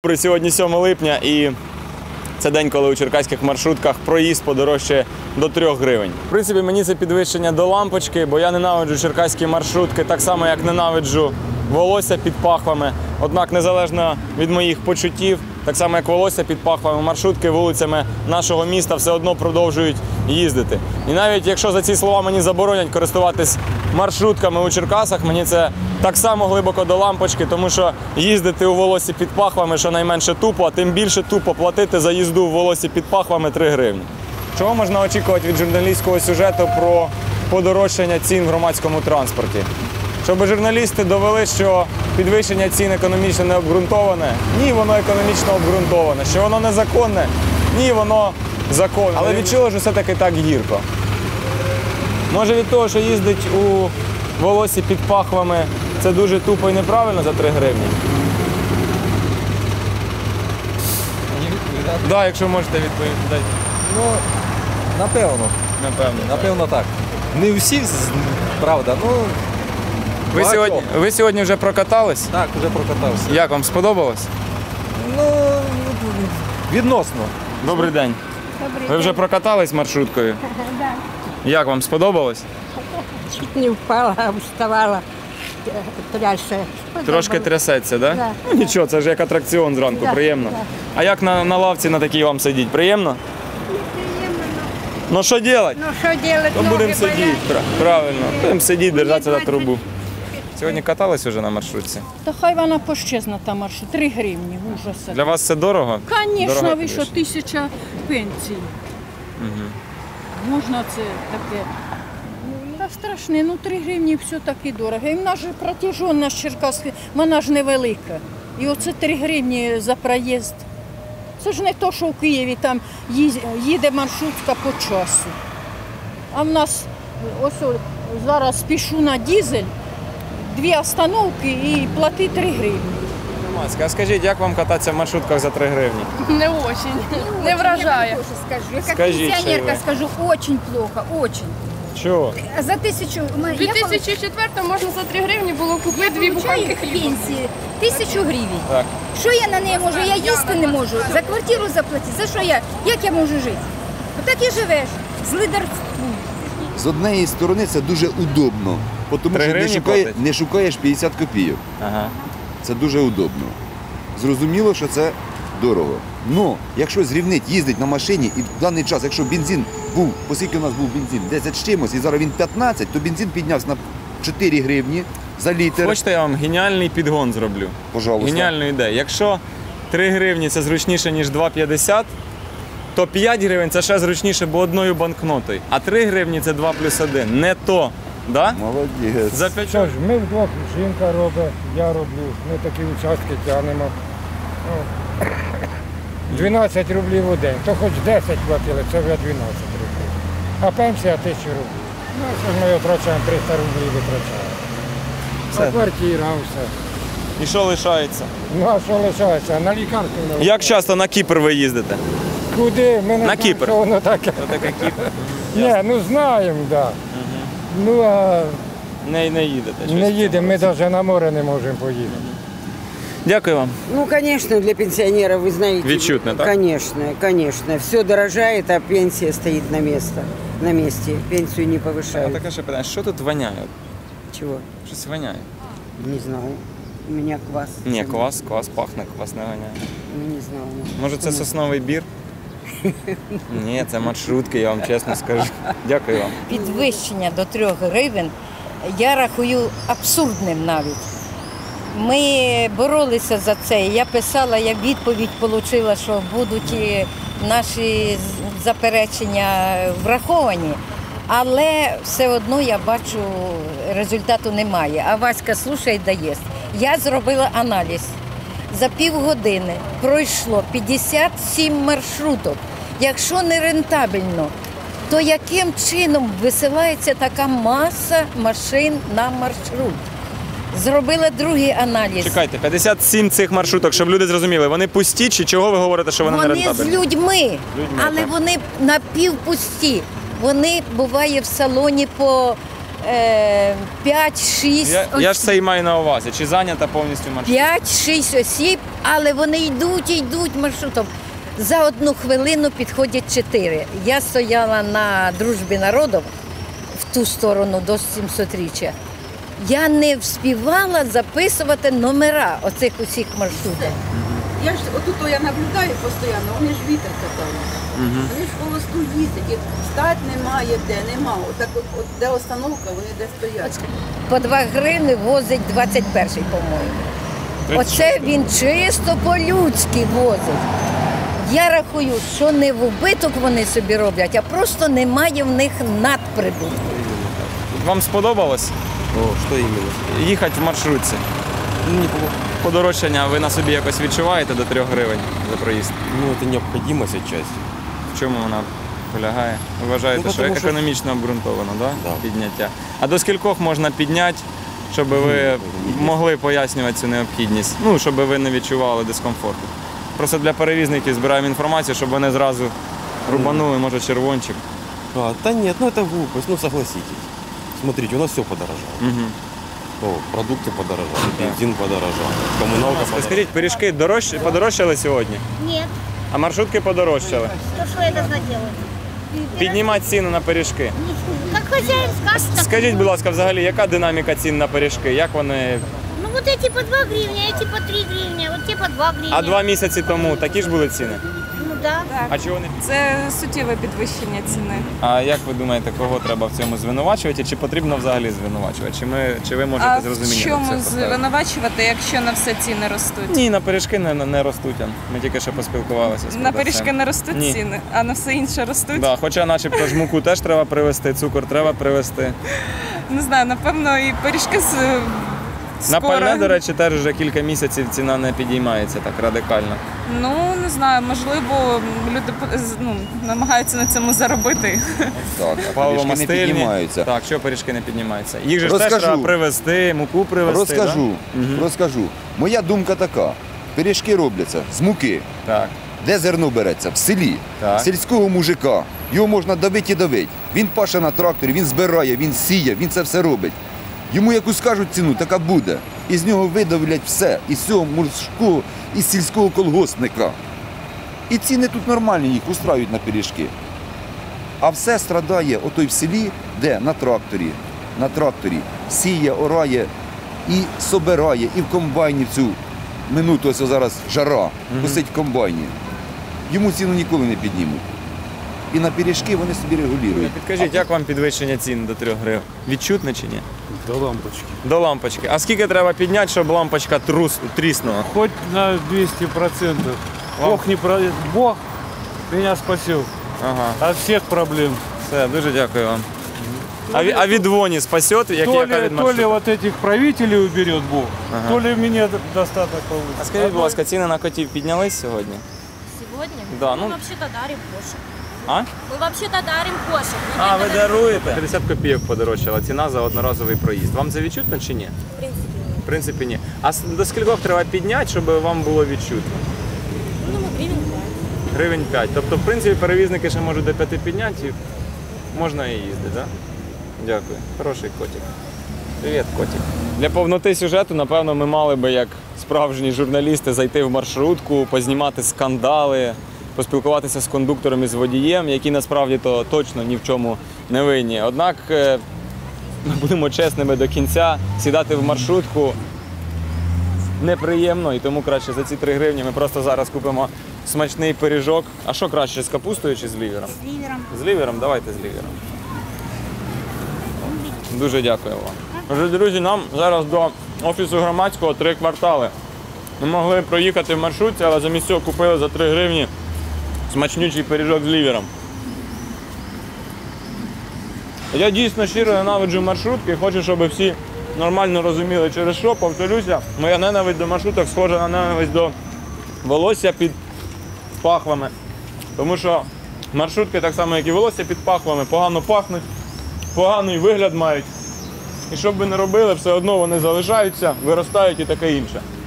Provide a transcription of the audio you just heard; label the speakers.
Speaker 1: Сьогодні 7 липня і це день, коли у черкаських маршрутках проїзд подорожчає до 3 гривень. В принципі, мені це підвищення до лампочки, бо я ненавиджу черкаські маршрутки так само, як ненавиджу волосся під пахвами. Однак, незалежно від моїх почуттів, так само як волосся під пахвами, маршрутки вулицями нашого міста все одно продовжують їздити. І навіть якщо за ці слова мені заборонять користуватись маршрутками у Черкасах, мені це так само глибоко до лампочки, тому що їздити у волосі під пахвами щонайменше тупо, а тим більше тупо платити за їзду у волосі під пахвами 3 гривні. Чого можна очікувати від журналістського сюжету про подорожчання цін в громадському транспорті? Щоб журналісти довели, що підвищення цін економічно не обґрунтоване, ні, воно економічно обґрунтоване. Що воно незаконне, ні, воно законне. Але від чого ж все-таки так гірко? Може від того, що їздить у волосі під пахвами, це дуже тупо і неправильно за 3 гривні? Так, якщо можете відповідати.
Speaker 2: Ну, напевно так. Не всі, правда, ну...
Speaker 1: Ви сьогодні вже прокатались?
Speaker 2: Так, вже прокатався.
Speaker 1: Як вам сподобалось?
Speaker 2: Ну, відносно.
Speaker 1: Добрий день. Ви вже прокатались маршруткою?
Speaker 3: Так.
Speaker 1: Як вам сподобалось?
Speaker 3: Чуть не впала, вставала, трясся.
Speaker 1: Трошки трясеться, так?
Speaker 3: Да.
Speaker 1: Ну, нічого, це ж як атракціон зранку,
Speaker 3: Да,
Speaker 1: приємно.
Speaker 3: да.
Speaker 1: А як на лавці на такій вам сидіть? Приємно? Ну що робити?
Speaker 3: Ну що робити?
Speaker 1: Ну будемо сидіти, правильно. Будемо сидіти, держатися за трубу. Сьогодні катались вже на маршрутці?
Speaker 4: Та хай вона пощезна та маршрут. 3 гривні, ужаса.
Speaker 1: Для вас це дорого?
Speaker 4: Звісно,
Speaker 1: Дорого
Speaker 4: ви що,
Speaker 1: підвищення.
Speaker 4: 1000 пенсій. Можна це таке. Та страшне, ну 3 гривні все таки дорого. І в нас же протяженність Черкаська, вона ж невелика. І оце 3 гривні за проїзд. Це ж не то, що в Києві там їде маршрутка по часу. А в нас ось зараз пішу на дизель, 2 остановки і плати 3 гривні.
Speaker 1: А скажіть, як вам кататися в маршрутках за 3 гривні?
Speaker 5: Не очень, не вражає.
Speaker 3: Я тоже скажу. Я как
Speaker 1: Скажите,
Speaker 3: пенсионерка
Speaker 1: вы.
Speaker 3: скажу, очень плохо, очень.
Speaker 1: Чого?
Speaker 3: За 1000...
Speaker 5: У 2004 можна за 3 гривні було купити 2 буханки хліба.
Speaker 3: пенсії 1000 гривень.
Speaker 1: Так.
Speaker 3: Що я на неї можу? Я їсти не можу. За квартиру заплатити. За що я? Як я можу жити? Отак і живеш. З лидарством.
Speaker 6: З однієї сторони це дуже удобно, тому
Speaker 1: 3
Speaker 6: що
Speaker 1: гривні
Speaker 6: не шукаєш 50 копійок.
Speaker 1: Ага.
Speaker 6: Це дуже удобно. Зрозуміло, що це дорого. Но якщо зрівнити, їздить на машині і в даний час, якщо бензин був, оскільки у нас був бензин 10 з чимось, і зараз він 15, то бензин піднявся на 4 гривні за літр.
Speaker 1: Хочете, я вам геніальний підгон зроблю?
Speaker 6: Пожалуйста.
Speaker 1: Геніальну ідею. Якщо 3 гривні це зручніше, ніж 2,50, то 5 гривень це ще зручніше, бо одною банкнотою. А 3 гривні це 2 плюс 1. Не то. Да?
Speaker 6: Молодець.
Speaker 1: За 5
Speaker 7: Що ж, ми вдвох, жінка робить, я роблю, ми такі участки тягнемо. Ну, 12 рублів у день, то хоч 10 платили, це вже 12 рублів. А пенсія 1000 рублів. Ну, що ж ми витрачаємо, 300 рублів витрачаємо.
Speaker 1: Все.
Speaker 7: А квартира, все.
Speaker 1: І що лишається?
Speaker 7: Ну а що лишається? На лікарство не
Speaker 1: Як часто на Кіпр ви їздите?
Speaker 7: Куди? Ми не
Speaker 1: На
Speaker 7: знаємо,
Speaker 1: Кіпр.
Speaker 7: що воно таке.
Speaker 1: Це таке Кіпр.
Speaker 7: Ні, ну знаємо, так. Да. Ну а
Speaker 1: Не їдете.
Speaker 7: не їдемо, ми навіть на море не можемо поїхати.
Speaker 1: Дякую вам.
Speaker 8: Ну, конечно, для пенсионеров, вы знаете.
Speaker 1: Відчутно, так?
Speaker 8: Конечно, конечно. Все дорожает, а пенсия стоит на месте. Пенсию не
Speaker 1: А
Speaker 8: повышают.
Speaker 1: таке ще питання, що тут воняє?
Speaker 8: Чего?
Speaker 1: Щось воняє?
Speaker 8: Не знаю. У меня квас.
Speaker 1: Ні, квас пахне, квас не воняє.
Speaker 8: Ну, не знаю.
Speaker 1: Може це сосновий бір? Ні, це маршрутки, я вам чесно скажу. Дякую вам.
Speaker 9: Підвищення до 3 гривень я рахую абсурдним навіть. Ми боролися за це. Я писала, я відповідь отримала, що будуть наші заперечення враховані, але все одно я бачу, результату немає. А Васька слухає і дає. Я зробила аналіз. За півгодини пройшло 57 маршруток. Якщо не рентабельно, то яким чином висилається така маса машин на маршрут? Зробила другий аналіз.
Speaker 1: Чекайте, 57 цих маршруток, щоб люди зрозуміли, вони пусті чи чого ви говорите, що вони не
Speaker 9: Вони з
Speaker 1: рентабельні?
Speaker 9: людьми, але
Speaker 1: так.
Speaker 9: вони напівпусті. Вони, буває, в салоні по 5-6
Speaker 1: Я ж це і маю на увазі. Чи зайнята повністю маршрут?
Speaker 9: 5-6 осіб, але вони йдуть і йдуть маршрутом. За 1 хвилину підходять 4. Я стояла на Дружбі народів в ту сторону до 700-річчя. Я не вспівала записувати номера оцих усіх маршрутів.
Speaker 10: Я ж отут я наблюдаю постійно, вони ж вітер катають. Вони ж по листу їздять, і стать немає де, нема. Отак, от де остановка, вони де стоять.
Speaker 9: По 2 гривни возить 21-й, по-моєму. Оце він чисто по-людськи возить. Я рахую, що не в убиток вони собі роблять, а просто немає в них надприбутку.
Speaker 1: Вам сподобалось
Speaker 2: О, что именно?
Speaker 1: їхати в маршрутці? Подорожчання ви на собі якось відчуваєте до 3 гривень за проїзд?
Speaker 2: Ну, это необходимость отчасти.
Speaker 1: В чому вона полягає? Ви вважаєте,
Speaker 2: Ну,
Speaker 1: що
Speaker 2: тому що-
Speaker 1: економічно обґрунтовано, да?
Speaker 2: Да.
Speaker 1: Підняття? А до скількох можна підняти, щоб ви могли пояснювати цю необхідність? Ну, щоб ви не відчували дискомфорту. Просто для перевізників збираємо інформацію, щоб вони зразу рубанули, може, червончик.
Speaker 2: Да нет, ну это глупость, ну согласитесь. Смотрите, у нас все подорожало.
Speaker 1: Угу.
Speaker 2: О, продукты подорожали, бензин подорожал, коммуналка подорожала.
Speaker 1: Скажіть, пиріжки подорожчали сьогодні?
Speaker 11: Нет.
Speaker 1: А маршрутки подорожчали?
Speaker 11: То что я должна делать?
Speaker 1: Піднімати ціну на пиріжки.
Speaker 11: Как хозяин скажет, так
Speaker 1: Скажіть, будь ласка, взагалі, яка динаміка цін на пиріжки? Як вони?
Speaker 11: Ну вот эти по 2 гривня, эти по 3 гривня, вот те по 2 гривня.
Speaker 1: А 2 місяці тому такі ж були ціни?
Speaker 11: Ну да.
Speaker 1: А чого не?
Speaker 5: Це суттєве підвищення ціни.
Speaker 1: А як ви думаєте, кого треба в цьому звинувачувати? Чи потрібно взагалі звинувачувати? Чи ви можете
Speaker 5: А
Speaker 1: з
Speaker 5: в
Speaker 1: розумінням
Speaker 5: чому
Speaker 1: це поставити?
Speaker 5: звинувачувати, якщо на все ціни ростуть?
Speaker 1: Ні, на пиріжки не ростуть. Ми тільки що поспілкувалися з
Speaker 5: На
Speaker 1: продавцем.
Speaker 5: пиріжки не ростуть
Speaker 1: Ні.
Speaker 5: ціни, а на все інше ростуть?
Speaker 1: Да, хоча начебто ж муку теж треба привезти, цукор треба привезти.
Speaker 5: Не знаю, напевно, і пиріжки
Speaker 1: На
Speaker 5: скоро.
Speaker 1: пальне, до речі, теж вже кілька місяців ціна не підіймається так радикально.
Speaker 5: Ну, не знаю, можливо, люди намагаються на цьому заробити.
Speaker 6: Так, а
Speaker 1: Паливо
Speaker 6: пиріжки не
Speaker 1: мастильні.
Speaker 6: піднімаються.
Speaker 1: Так, що пиріжки не піднімаються? Їх же ж теж
Speaker 6: Розкажу.
Speaker 1: треба привезти, муку привезти.
Speaker 6: Розкажу,
Speaker 1: Да?
Speaker 6: розкажу. Моя думка така. Пиріжки робляться з муки.
Speaker 1: Так.
Speaker 6: Де зерно береться? В селі.
Speaker 1: Так.
Speaker 6: Сільського мужика. Його можна давити і давити. Він паше на тракторі, він збирає, він сіє, він це все робить. Йому яку скажуть ціну, така буде. Із нього видавлять все. Із цього мужського, із сільського колгоспника. І ціни тут нормальні, їх устраюють на пиріжки. А все страдає отой в селі, де на тракторі сіє, орає і собирає, і в комбайні в цю минуту, ось зараз жара, косить в комбайні. Йому ціну ніколи не піднімуть. І на пиріжки вони собі регулюють.
Speaker 1: Підкажіть, як вам підвищення цін до 3 гривень? Відчутне чи ні?
Speaker 7: До лампочки.
Speaker 1: До лампочки. А скільки треба підняти, щоб лампочка тріснула?
Speaker 7: Хоть на 200%. Бог меня спасил
Speaker 1: Ага,
Speaker 7: от всех проблем.
Speaker 1: все, дуже дякую вам. А від воні спасет, як
Speaker 7: То
Speaker 1: яка
Speaker 7: ли,
Speaker 1: від
Speaker 7: то ли
Speaker 1: маршруту?
Speaker 7: вот этих правителей уберет Бог, то ли мне достаток
Speaker 1: А
Speaker 7: получится.
Speaker 1: скажіть, будь ласка, ціни на котів піднялись сьогодні?
Speaker 11: Сегодня?
Speaker 1: Да,
Speaker 11: Мы
Speaker 1: ну-
Speaker 11: вообще-то дарим кошек.
Speaker 1: А?
Speaker 11: Мы вообще-то дарим кошек.
Speaker 1: А, ви даруєте? 50 копійок подорожчала ціна за одноразовий проїзд. Вам це відчутно чи ні?
Speaker 11: В принципе,
Speaker 1: В принципі, ні. А до скількох треба підняти, щоб вам було відчутно?
Speaker 11: ну, мы гривен 5.
Speaker 1: Гривень 5. Тобто, в принципі, перевізники ще можуть до 5 підняти і можна і їздити, так? Да? Дякую. Хороший котик. Привіт, котик. Для повноти сюжету, напевно, ми мали би, як справжні журналісти, зайти в маршрутку, познімати скандали, поспілкуватися з кондуктором і з водієм, які насправді то точно ні в чому не винні. Однак, ми будемо чесними до кінця, сідати в маршрутку неприємно, і тому краще за ці 3 гривні ми просто зараз купимо смачний пиріжок. А що краще, з капустою чи з лівером?
Speaker 11: С ливером.
Speaker 1: З лівером? Давайте з лівером. Дуже дякую вам. Отже, друзі, нам зараз до офісу громадського 3 квартали. Ми могли проїхати в маршрутці, але замість цього купили за 3 гривні смачнючий пиріжок з лівером. Я дійсно щиро ненавиджу маршрутки, хочу, щоб всі нормально розуміли, через що, повторюся, моя ненависть до маршруток схожа на ненависть до волосся під пахвами. Тому що маршрутки, так само як і волосся під пахвами, погано пахнуть, поганий вигляд мають. І що б ви не робили, все одно вони залишаються, виростають і таке інше.